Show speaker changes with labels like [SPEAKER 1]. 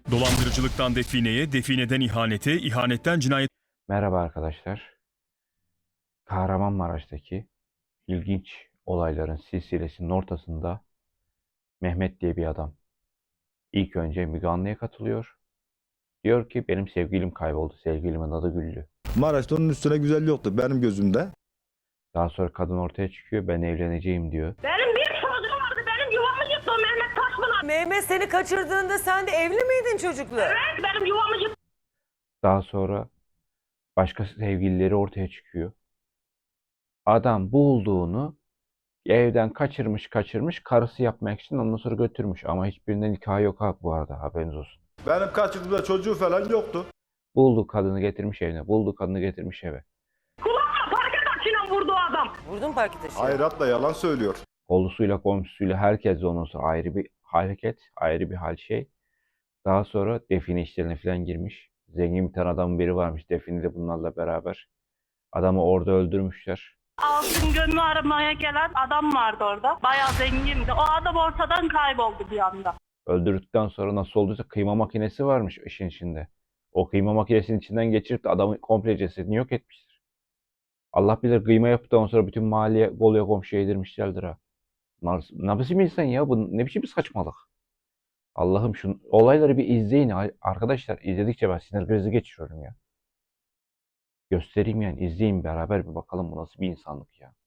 [SPEAKER 1] Dolandırıcılıktan defineye, defineden ihanete, ihanetten cinayet.
[SPEAKER 2] Merhaba arkadaşlar. Kahramanmaraş'taki ilginç olayların silsilesinin ortasında Mehmet diye bir adam ilk önce Müge Anlı'ya katılıyor. Diyor ki benim sevgilim kayboldu. Sevgilimin adı Güllü.
[SPEAKER 3] Maraş'ta onun üstüne güzel yoktu benim gözümde.
[SPEAKER 2] Daha sonra kadın ortaya çıkıyor. Ben evleneceğim diyor.
[SPEAKER 4] Benim bir çocuğum vardı. Benim yuvamı yıktı o Mehmet Taşpınar.
[SPEAKER 5] Mehmet seni kaçırdığında sen de evli miydin çocukla?
[SPEAKER 4] Evet, benim yuvamı yıktı.
[SPEAKER 2] Daha sonra başka sevgilileri ortaya çıkıyor. Adam bulduğunu evden kaçırmış karısı yapmak için ondan sonra götürmüş. Ama hiçbirinden hikaye yok ha bu arada, haberiniz olsun.
[SPEAKER 3] Benim kaçırdığımda çocuğu falan yoktu.
[SPEAKER 2] Buldu kadını getirmiş evine. Buldu kadını getirmiş eve.
[SPEAKER 4] Kulağıma parke taşıyla vurdu o adam.
[SPEAKER 5] Vurdun parke taşı.
[SPEAKER 3] Hayratla yalan söylüyor.
[SPEAKER 2] Kolusuyla komşusuyla herkes ondan sonra ayrı bir hareket, ayrı bir hal şey. Daha sonra define işlerine falan girmiş. Zengin bir tane adamın biri varmış define de bunlarla beraber. Adamı orada öldürmüşler.
[SPEAKER 4] Altın gönlü aramaya gelen adam vardı orada. Bayağı zengindi. O adam ortadan kayboldu bir anda.
[SPEAKER 2] Öldürdükten sonra nasıl olduysa kıyma makinesi varmış işin içinde. O kıyma makinesinin içinden geçirip de adamın komple cesedini yok etmiştir. Allah bilir kıyma yaptıktan sonra bütün mahalleye, Bolu'ya komşuya yedirmişlerdir ha. Ne biçim insan ya? Bu ne biçim bir saçmalık? Allah'ım şu olayları bir izleyin arkadaşlar. İzledikçe ben sinir krizi geçiriyorum ya. Göstereyim yani izleyin beraber bir bakalım bu nasıl bir insanlık ya.